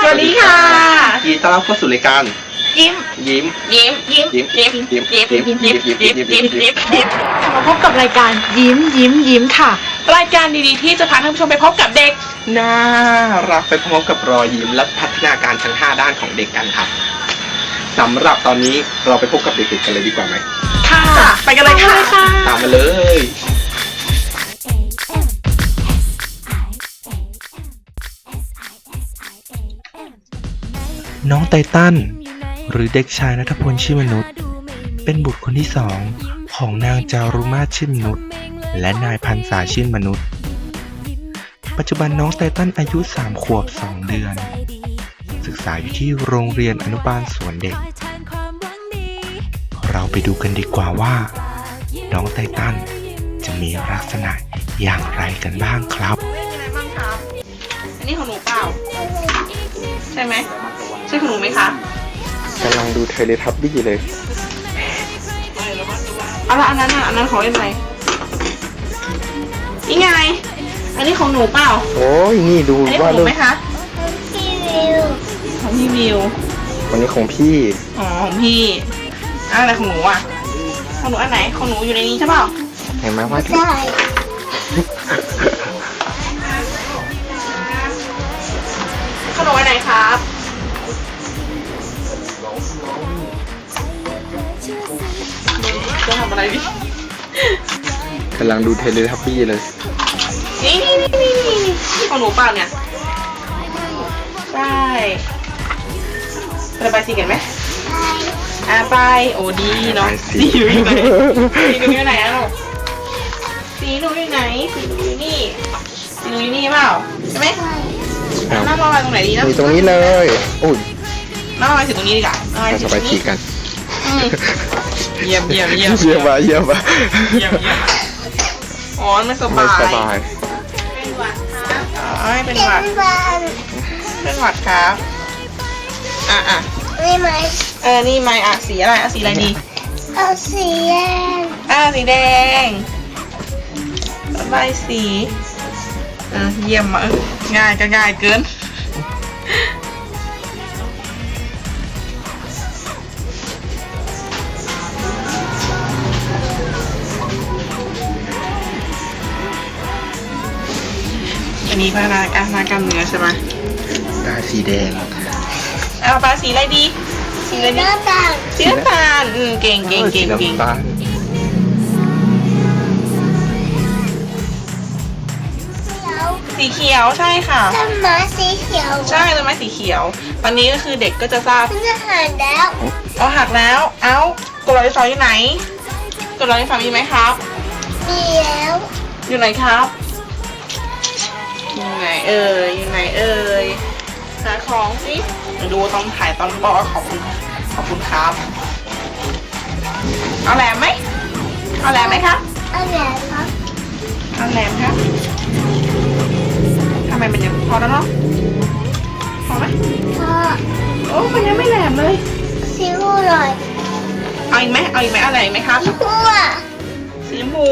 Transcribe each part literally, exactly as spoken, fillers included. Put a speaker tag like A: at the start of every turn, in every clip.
A: วัสดีค่ะ
B: ยินดีต้อนรับเข้าสู่รายการ
A: ยิ้ม
B: ยิ้ม
A: ยิ้มยิ้ม
B: ยิ้ม
A: ยิ้ม
B: ยิ้ม
A: ยิ้ม
B: ยิ้ม
A: ยิ้ม
B: ยิ้
A: ยิ้
B: ม
A: ม
B: ยิ้
A: ยิ้
B: ม
A: ม
B: ยิ้
A: ยิ้
B: ม
A: มยิ้มยิ้มยิ้ม
C: มาพบกับรายการยิ้มยิ้มยิ้มค่ะ
A: รายการดีๆที่จะพาท่านผู้ชมไปพบกับเด็ก
B: น่ารักไปพร้อมกับรอยยิ้มและพัฒนาการทั้งห้าด้านของเด็กกันครับสำหรับตอนนี้เราไปพบกับเด็กๆกันเลยดีกว่าไหม
A: ค่ะไปกันเลยค่ะ
B: ตามมาเลย
D: น้องไตตันหรือเด็กชายณัฐพลชื่อมนุษย์เป็นบุตรคนที่สองของนางจารุมาศชื่นมนุษย์และนายพันษาชื่นมนุษย์ปัจจุบันน้องไตตันอายุสามขวบสองเดือนศึกษาอยู่ที่โรงเรียนอนุบาลสวนเด็กเราไปดูกันดีกว่าว่าน้องไตตันจะมีลักษณะอย่างไรกันบ้างครับ
A: อะไรบ้างครับอันนี้ของหนูเปล่าใช่ไหมใช่ของหนูไหมคะ
B: กำลังดูเทเลทับบี้เลย
A: เอาละอันนั้นอ่ะอันนั้นของเล่นอะไรนี่ไงอันนี้ของหนูเปล่า
B: โอ้ยนี่ดู
A: อันนี้ขอ
B: ว่าง
A: หนู
B: ลูก
A: ไหมคะของพี่วิว
B: วันนี้ของพี่
A: อ๋อของพี่อะไรของหนูอ่ะของหนูอันไหนของหนูอยู่ในนี้ใช่เปล่า
B: เห็นไหมว่า
C: ใช่
A: ของหนูอันไหนครับจะทำอะไรดิ
B: กำลังดูเทเลทับบี้เลย
A: นี่นี่นี่นี่นี่ของหนูเปล่าเนี่ยใช่ระบายสีกันไหมอ่ะไปโอ้ดีเนาะสีอยู่ไหนสีหนูอยู่ไหนอะลูกสีหนูอยู่ไหนสีหนูอยู่นี่สีหนูอยู่นี่เปล่าใช่ไหมน้ำระบายตรงไหนดีนะ
B: มีตรงนี้เลยอุ้ย
A: น้ำระบายสีตรงนี้ดีกว่าน้ำระบาย
B: เรา
A: สี
B: จะ
A: ต
B: ไป
A: รง
B: ฉี
A: นี้
B: กกัน
A: อืมเยี่ยมเยี่ยมเยี่ยม
B: เยี่ยมมาเยี่ยมมา
A: เยี่ยมเยี่ยมอ๋อไม่ส
B: ไม่
A: บาย
B: สบาย
A: เป็นหวัดครับอ๋อไม่เป็นหวัดเป็นหวัดครับอ่ะอ่ะ
C: ไม่ไหม
A: เออนี่ไม่อ่ะสีอะไรอ่ะสีอะไรดี
C: เอาสีแดง
A: อ่ะสีแดงระบายสีอ่ะเยี่ยมมากง่ายก็ง่ายเกินอันนี้พัฒนาการทางกล้ามเนื้อใช่ไหม
B: ได้สีแดง
A: เอาปลาสีอะไรดีสีอะไรดี
C: หน้าต่าง
A: สีน้ำตาลอืมเก่งเก่งเก่งเก่ง
B: สีน้ำตาล
C: เขียว
A: สีเขียวใช่ค่ะ
C: ต้นไม้สีเขียว
A: ใช่ต้นไม้สีเขียว ตอนนี้ก็คือเด็กก็จะทราบ
C: มันจะหันแล้ว
A: เอาหักแล้ว เอ้ากดรอยไฟฟ้าอยู่ไหนกดรอยไฟฟ้ามีไหมครับ
C: มีแล้ว
A: อยู่ไหนครับอยู่ไหนเอ่ยอยู่ไหนเอ่ยหาของสิดูต้องถ่ายตอนบอกขอบคุณขอบคุณครับเอาแหลมไหมเอาแหลมไหมครับ
C: เอาแหวนครับ
A: เอาแหลมครับทำไมมันยังพอแล้วเนาะพอไหม
C: พ่อ
A: โอ้มันยังไม่แหลมเลย
C: สีหูหน่อย
A: เอาอีกไหมเอาอีกไหมเอาอะไรอีกไหมครับ
C: สีหูอ่ะ
A: สีชมพู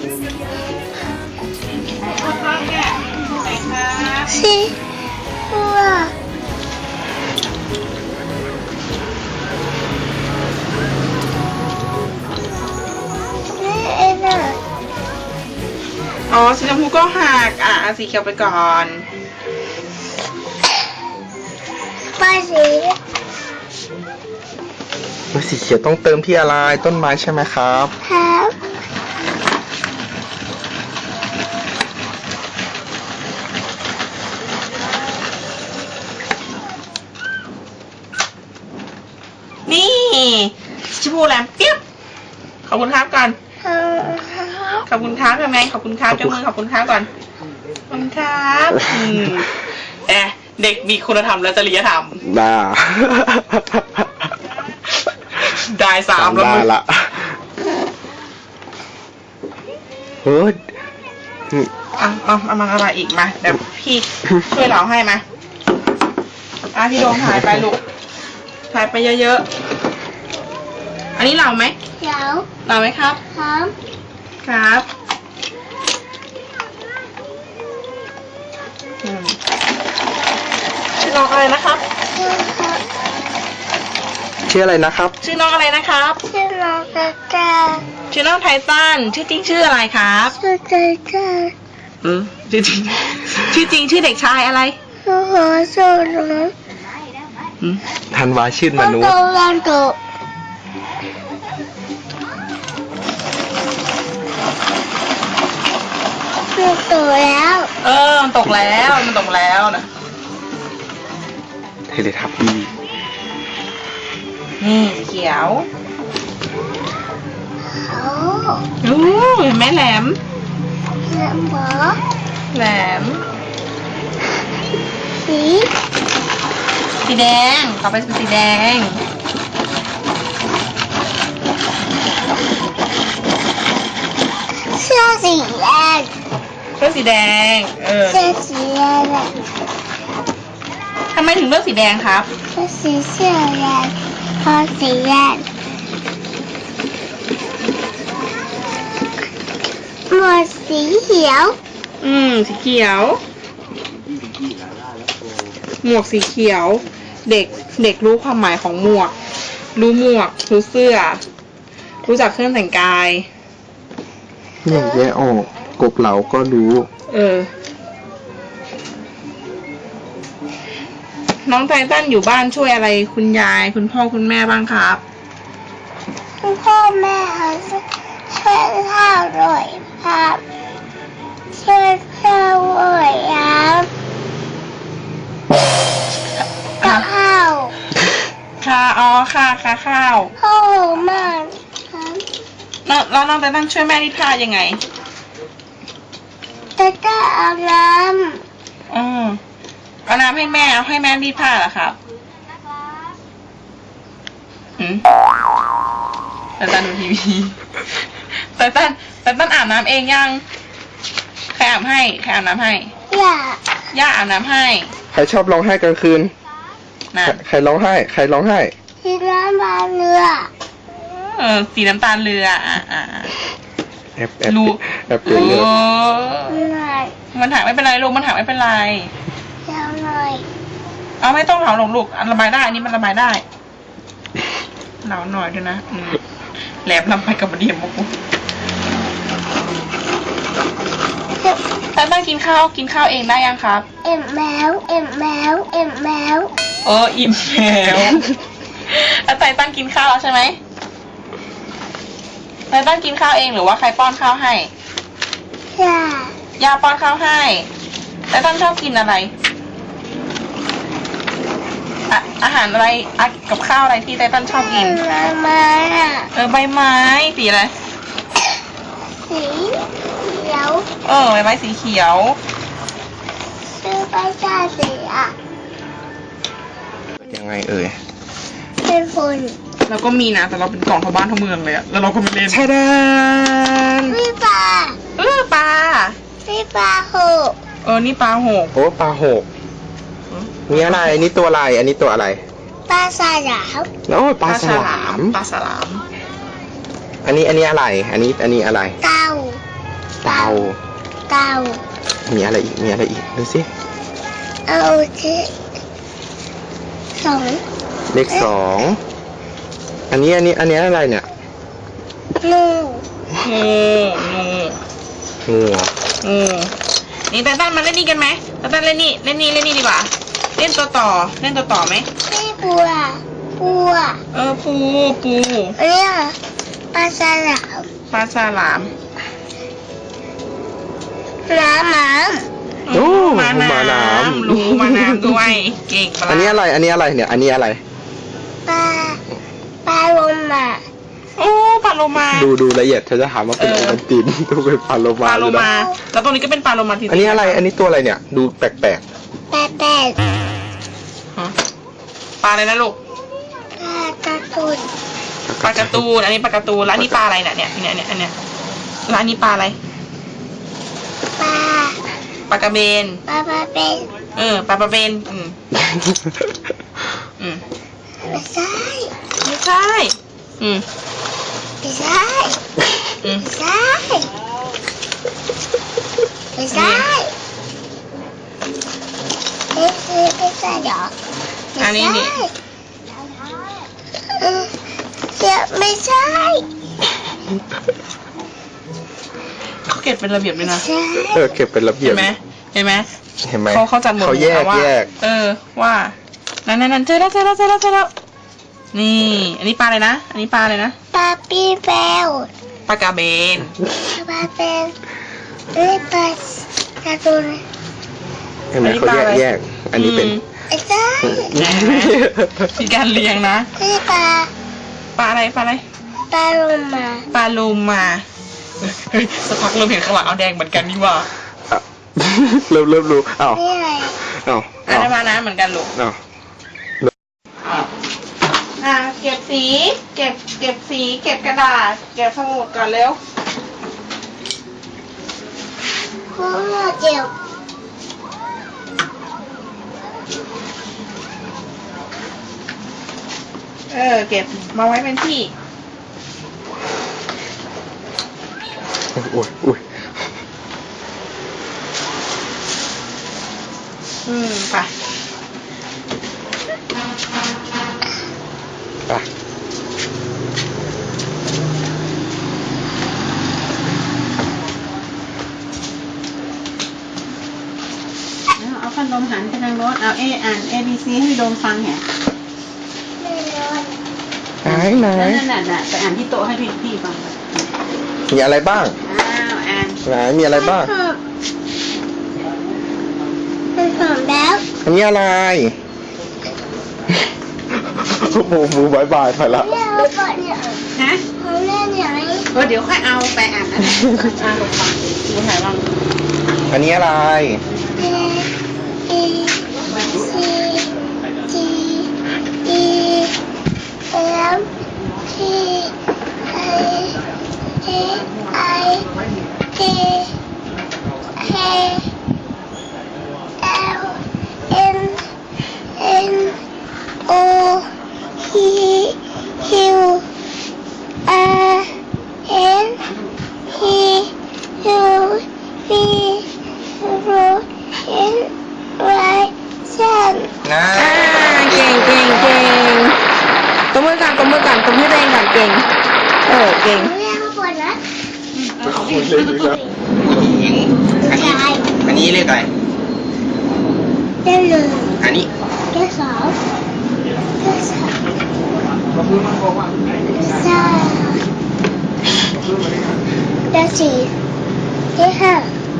A: ข้างๆเนี่ยไหนครับ
C: สีหูอ่ะนี่เองอ่ะ
A: อ๋อสีชมพูก็หักอ่ะเอาสีเขียวไปก่อน
C: ป้ายสี
B: แล้วสีเขียวต้องเติมที่อะไรต้นไม้ใช่ไหมครับ
C: ครับ
A: นี่สีชมพูแหลมเปี้ยบขอบคุณครับก่อน
C: ครับ
A: ขอบคุณครับทำไงขอบคุณครับเจ้ามือขอบคุณครับก่อนขอบคุณครับอืมแอะเด็กมีคุณธรรมและจริยธรรม
B: ด่า
A: ได้สามแล้ว
B: ด่า
A: มึง
B: ละเฮ้ย
A: อ่ะเอาเอามาอะไรอีกมาเดี๋ยวพี่ช่วยเราให้มาอ่ะพี่โดมถ่ายไปลูกถ่ายไปเยอะๆอันนี้เราไหม
C: เขียว
A: เราไหมครับ
C: ครับ
A: ครับอืมพี่โดน้องอะไรนะครับ
B: ชื่ออะไรนะครับ
A: ชื่อน้องอะไรนะครับ
C: ชื่อน้องกระจา
A: ชื่อน้องไททันชื่อจริงชื่ออะไรครับ
C: ชื่อเจ๊เจ๊
A: เออชื่อจริงชื่อจริงชื่อเด็กชายอะไร
C: ชื่อหัวสูงน้อง
A: อืม
B: ธันวาชื่นม
C: มัน
B: นุษ
C: โต
B: ย์
C: มันโตมันโตแล้ว
A: เออมันตกแล้วมันตกแล้วนะ
B: เทเลทับบี้
A: นี่สีเขียว
C: โอ้
A: อู้เห็นไหมแหลม
C: แล้วหมอ
A: แหลม
C: สี
A: สีแดงต่อไปเป็นสีแดง
C: เสื้อสีแดง
A: เลือกสีแดง เออ
C: เสื้อสีแดง
A: ทำไมถึงเลือกสีแดงครับ
C: เสื้อสีเสื้อแดงพอสีแดงหมวดสีเขียว
A: อืมสีเขียว หมวกสีเขียว เด็กเด็กรู้ความหมายของหมวก รู้หมวกรู้เสื้อ รู้จักเครื่องแต่งกาย
B: อย่างแยกออกกบเหลาก็รู้
A: เออ น้องไททันอยู่บ้านช่วยอะไรคุณยาย คุณพ่อคุณแม่บ้างครับ
C: คุณพ่อแม่เขาช่วยข้าวด้วยครับช่วยข้าวด้วยครับกับข้าว
A: ค่ะอ๋อค่ะค่ะข้าว
C: ข้าวมากครับ
A: แล้วแล้วน้องไททันช่วยแม่รีดผ้ายังไง
C: จะจะเอาน้
A: อืมเอาน้ำให้แม่เอาให้แม่รีดผ้าเหรอครับอืมไททันดูทีวีไททันไททันอาบน้ำเองยัง ใครอาบให้ ใครอาบน้ำให้
C: ำอย่า
A: ย่าอาบน้ำให้
B: ใครชอบร้องไห้กลางคืน
A: นะ
B: ใครใครร้องไห้ ใครร้องไห้
C: ที่น้ำบานเรือ
A: เออสีน้ำตาลเรืออ่ะอ่ะอ่ะ
B: แอบแอบ
A: รู้
B: แอบเปลี่ยน
A: โอ้
B: เรื่อง
C: หน่อย
A: มันหักไม่เป็นไรลูกมันหักไม่เป็นไร
C: ยาวหน่อย
A: เอาไม่ต้องเหลาหรอกลูกอันระบายได้อันนี้มันระบายได้เหลาหน่อยด้วยนะอืมแหลมลำไปกับบะเดียมมุกแต่ตั้งกินข้าวกินข้าวเองได้ยังครับ
C: เอ็มแมวเอ็มแมวเอ็มแมว
A: เอออิ่มแล้วแล้วไตตั้งกินข้าวแล้วใช่ไหมไตตั้งกินข้าวเองหรือว่าใครป้อนข้าวให้
C: อย่า
A: ย่าป้อนข้าวให้ไตตั้งชอบกินอะไรอะอาหารอะไรอะกับข้าวอะไรที่ไตตั้งชอบกิน
C: มามาอ่ะ
A: เออใบไม้สีอะไร
C: สีเขียว
A: เออใบไม้สีเขียว
C: ชื่อใบชาสีอ่ะ
B: ยังไงเอ่ย
C: เป็นฝุ่น
A: แล้วก็มีนะแต่เราเป็นกล่องทั้งบ้านทั้งเมืองเลยอะแล้วเราก็ไม่เล่น
B: ชาดาน
C: พี่ปลา
A: เออปลา
C: พี่ปลาหก
A: เออนี่ปลาหก
B: โอ้ปลาหกนี่อะไร อันนี้ตัวอะไร อันนี้ตัวอะไร
C: ปลาสายาว
B: โอ้ปลาฉลาม
A: ปลาฉลาม
B: อันนี้อันนี้อะไร อันนี้อันนี้อะไร
C: เต่า
B: เต่า
C: เต่า
B: มีอะไรอีก มีอะไรอีก ดูสิ
C: เอาที่สอง
B: เลขสอง อันนี้อันนี้อันนี้อะไรเนี่ย
C: งู
A: งูงู
B: งูเหรอ
A: งูนี่แต่ตั้นมาเล่นนี่กันไหมแต่ตั้นเล่นนี่เล่นนี่เล่นนี่ดีกว่า เล่นตัวต่อเล่นตัวต่อไหม
C: พี่บัวบัว
A: เออปูปู
C: อันนี้อ่ะปลาสลาม
A: ปลาฉลาม
C: น้ำหมา
B: โอ้
A: มาน้
B: มาน้ำ
A: ำรู้มาน้ำด้วยเก่งปลา
B: อันนี้อะไร อันนี้อะไรเนี่ย อันนี้อะไร
C: ปลาปลาลงมา
A: โอ้ปลาโลมา
B: ดูดูละเอียดเธอจะถามว่าเป็น
A: เอ
B: โอ
A: อ
B: วันตินดูเป็นปลาโล
A: ป
B: มา
A: ลาโล
B: เลย
A: มา
B: นะ
A: แล้วตรงนี้ก็เป็นปลาโลมาที
B: อันนี้อะไร อันนี้ตัวอะไรเนี่ย ดูแปลก
C: แปดแปด
A: ฮะปลาอะไรนะลูก
C: ปลาตะตุน
B: ๆ
A: ปลาการ์ตูนอันนี้ปลาการ์ตูนแล้วอันนี้ปลาอะไรเนี่ยเนี่ยเนี่ยเนี่ยอันเนี้ยแล้วอันนี้ปลาอะไร
C: ปลา
A: ปลากระเบน
C: ปลาปลาเป็น
A: เออปลากระเบนอืมอืม
C: ไม่ใช่
A: ไม่ใช่อืม
C: ไม่ใช่
A: อืม
C: ไม่ใช่ไม่ใช่ไม่ใช่ไม่ใช่เหรอ
A: อันนี้นี่
C: เออเดี๋ยวไม่ใช่
A: เขาเก็บเป็นระเบียบเลยนะ
C: ใช่
B: เออเก็บเป็นระเบีย
A: เห็
B: บ
A: นไหมเห็นไหม
B: เห็นไหม
A: เขาเขาจัดหมวดห
B: เขา
A: มู่
B: แยก
A: ว่า
B: แยก
A: เออว่านั่นนั่นนั่นเจอแล้วเจอแล้วเจอแล้วเจอแล้วนี่ อันนี้ปลาอะไรนะอันนี้ปลาอะไรนะ
C: ปาปีแปว
A: ปลากระเบน
C: ปาเป็นเอ้ยปลาตาตัวเลย
B: เห็นไหมเขาแยกแยก อันนี้เป็น
C: ไอ้เจ้า
A: มีการเรียงนะ
C: เอ้ยปลา
A: ปลาอะไรปลาอะไร
C: ปลาลงมา
A: ปลาลูมาเฮ้ยสักพักเริ่มเห็นข้างหลังเอาแดงเหมือนกันนี่หว่า
B: อ่ะเริ่มเริ่มรู้อ้าว
C: นี่อะไร
B: อ้าว
A: อันนั้นมานะเหมือนกันลูก
B: อ้าว
A: อ่ะเก็บสี เก็บเก็บสี เก็บกระดาษ เก็บสมุดก่อนเร็ว
C: โอ้เจียว
A: เออ เก็บมาไว้เป็นที่
B: อุ้ยอุ้ย
A: อืมไป
B: อ่ะ
E: เอาพัดลมหันไปทางโน้นเอาเออ่าน A B C ให้โดมฟังแหะ
C: ไม่ร้อน
B: ไหนไหน
E: นั่นน่ะน่ะไปอ่านที่โต๊ะให้พี่พี่ฟัง
B: มีอะไรบ้าง
E: อ้าวอ่าน
B: ไหนมีอะไรบ้าง
C: มันหอมแล้ว
B: อันนี้อะไรโอ้โหมือบายบายไปละ
C: เนี่ยเอาก่อนเนี่ย
E: ฮะ
C: ของเล่นเนี่ยไหม
E: เออเดี๋ยวค่อยเอาไปอ่านนะอ่านลงฟัง
A: ดูถ่ายบ้าง
B: อันนี้อะไร
C: เอ E C G E F T I A I J K L M N O P Q R S T U V W X Y Z
B: นะ
A: อ่าเก่งเก่งเก่งตบมือก่อนตบมือก่อนตบมือตัวเองก่อนเก่ง เออ เก่ง
C: เรียกมาก่อนนะ
B: คุณเล่นอีกแล้วหญิงอันนี้ อันนี้เรียกอะไร
C: เรียกหนึ่ง
B: อันนี้
C: เรียกสองเรียกสามสามเรียกสี่เรียกห้า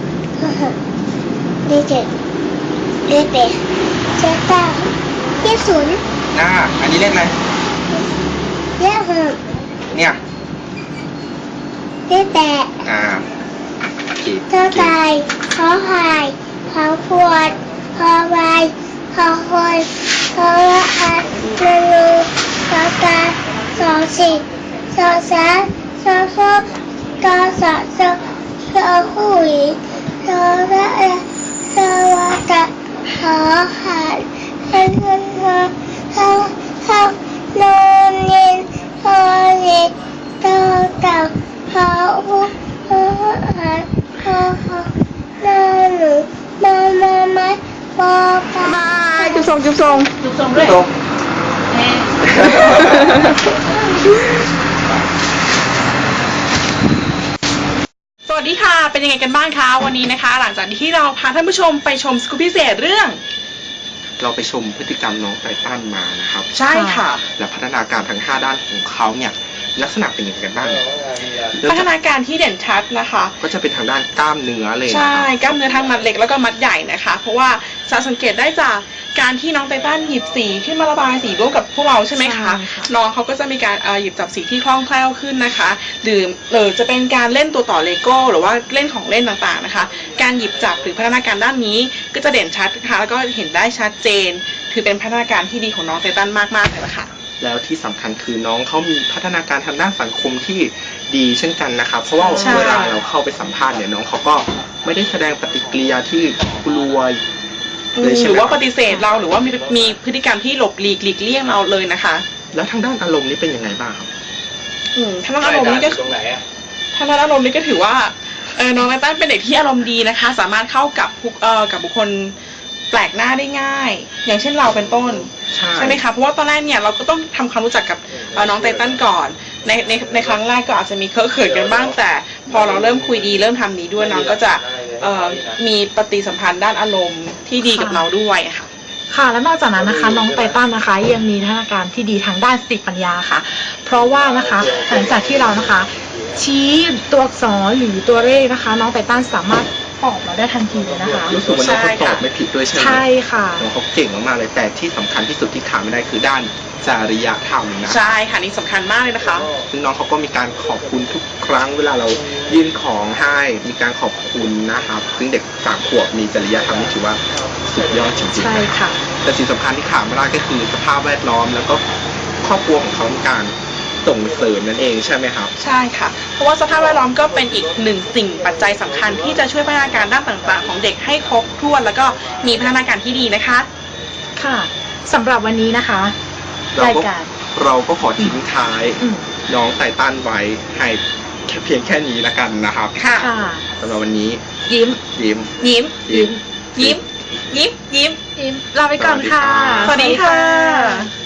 C: เรียกเจ็ดเรียกแปดเรียกเก้าเรียกศูนย์
B: หน้า อันนี้เรียกอะไร
C: เรียกหก
B: เนี่ย
C: เรียกแปด
B: อ่าโอเค
C: เท่าไก่ขอไข่ขอขวดขอใบขอคนขอละอันนนูขอกาสองสิบสองสามสองสองกอสองสองสองหุยสองละละสวัสดิ์ขอหันเงินเงินเงินเข้าเข้านอนเย็นพอเย็นโตเต่าขอหุขอหันขอขอนอนหนูมามามาปอปา
A: บายจุ๊บทรงจุ๊บทรง
E: จุดส่งด้วย
B: ตรง
E: เอ๊ะ
A: สวัสดีค่ะ เป็นยังไงกันบ้างคะ วันนี้นะคะ หลังจากที่เราพาท่านผู้ชมไปชมสกูปพิเศษเรื่อง
B: เราไปชมพฤติกรรมน้องไททันมานะครับ
A: ใช่ค่ะ
B: และพัฒนาการทั้งห้าด้านของเขาเนี่ยลักษณะเป็นยังไงกันบ้างเนี่ยเริ่ม
A: พัฒ
B: จาก
A: นาการที่เด่นชัดนะคะ
B: ก็จะเป็นทางด้านกล้ามเนื้อเลยนะ
A: ใช่
B: ครับ
A: กล้ามเนื้อทั้งมัดเล็กแล้วก็มัดใหญ่นะคะ เพราะว่าจะสังเกตได้จากการที่น้องไททันหยิบสีขึ้นมาระบายสีร่วมกับพวกเราใช่ไหมคะ
E: ใช่ค่ะ
A: น้องเขาก็จะมีการเอ่อหยิบจับสีที่คล่องแคล่วขึ้นนะคะหรือหรือจะเป็นการเล่นตัวต่อเลโก้หรือว่าเล่นของเล่นต่างๆนะคะ การหยิบจับหรือพัฒนาการด้านนี้ก็จะเด่นชัดนะคะแล้วก็เห็นได้ชัดเจน ถือเป็นพัฒนาการที่ดีของน้องไททันมากๆเลยละค่ะ
B: แล้วที่สำคัญคือน้องเขามีพัฒนาการทางด้านสังคมที่ดีเช่นกันนะครับ เพราะว่า
A: ใช่
B: เวลาเราเข้าไปสัมภาษณ์เนี่ยน้องเขาก็ไม่ได้แสดงปฏิกิริยาที่กลัว
A: อื
B: เลย
A: ม
B: ใช่
A: ห
B: ไห
A: รื
B: ม
A: อว่าปฏิเสธเราหรือว่ามีมีพฤติกรรมที่หลบหลีกหลีกเลี่ยงเราเลยนะคะ
B: แล้วทางด้านอารมณ์นี่เป็นยังไงบ้างครับ
A: อืมทางด้านอารมณ์นี่ก็ทางด้านอารมณ์นี่ก็ถือว่าเออน้องไททันเป็นเด็กที่อารมณ์ดีนะคะ สามารถเข้ากับผู้เอ่อกับบุคคลแปลกหน้าได้ง่าย อย่างเช่นเราเป็นต้น
B: ใช่
A: ใช่ไหมคะเพราะว่าตอนแรกเนี่ยเราก็ต้องทำความรู้จักกับเอ่อน้องไตตันก่อนในในในครั้งแรกก็อาจจะมีเคอะเขินกันบ้างแต่พอเราเริ่มคุยดีเริ่มทำดีด้วยน้องก็จะเอ่อมีปฏิสัมพันธ์ด้านอารมณ์ที่ดีกับเราด้วยค่ะ
F: ค่ะและนอกจากนั้นนะคะน้องไตตันนะคะยังมีพัฒนาการที่ดีทางด้านสติปัญญาค่ะ เพราะว่านะคะหลังจากที่เรานะคะ ชี้ตัวอักษรหรือตัวเลขนะคะ น้องไตตันสามารถตอบเราได้ทันทีเลยนะคะ
B: รู้สึกว่าน้องเขาตอบไม่ผิดด้วยใช่ไหม
F: ใช่ค่ะ
B: น้องเขาเก่งมากๆเลยแต่ที่สำคัญที่สุดที่ขาดไม่ได้คือด้านจริยธรรมนะ
A: ใช่ค่ะนี่สำคัญมากเลยนะคะ
B: ซึ่งน้องเขาก็มีการขอบคุณทุกครั้งเวลาเรายื่นของให้มีการขอบคุณนะครับ ซึ่งเด็กสามขวบมีจริยธรรมนี่ถือว่าสุดยอดจริงๆ
F: ใช่ค่ะ
B: แต่สิ่งสำคัญที่ขาดไม่ได้ก็คือสภาพแวดล้อมแล้วก็ครอบครัวของเขาในการส่งเสริมนั่นเองใช่ไหมครับ
A: ใช่ค่ะ เพราะว่าสภาพแวดล้อมก็เป็นอีกหนึ่งสิ่งปัจจัยสำคัญที่จะช่วยพัฒนาการด้านต่างๆ ของเด็กให้ครบถ้วนแล้วก็มีพัฒนาการที่ดีนะคะ
F: ค่ะสำหรับวันนี้นะคะ
B: เรา
F: ราย
B: ก็
F: การ
B: เราก็ขอทิ้งท้าย
F: อืม
B: น้องไตตันไว้ให้แค่เพียงแค่นี้ละกันนะครับ
A: ค่ะ
F: ค่ะ
B: สำหรับวันนี้
F: ยิ้ม
B: ยิ้ม
A: ยิ้ม
B: ยิ้ม
A: ยิ้ม ยิ้ม ยิ้ม
F: ยิ้มลาไปก่อนค่ะ
A: สวัสดีค่ะ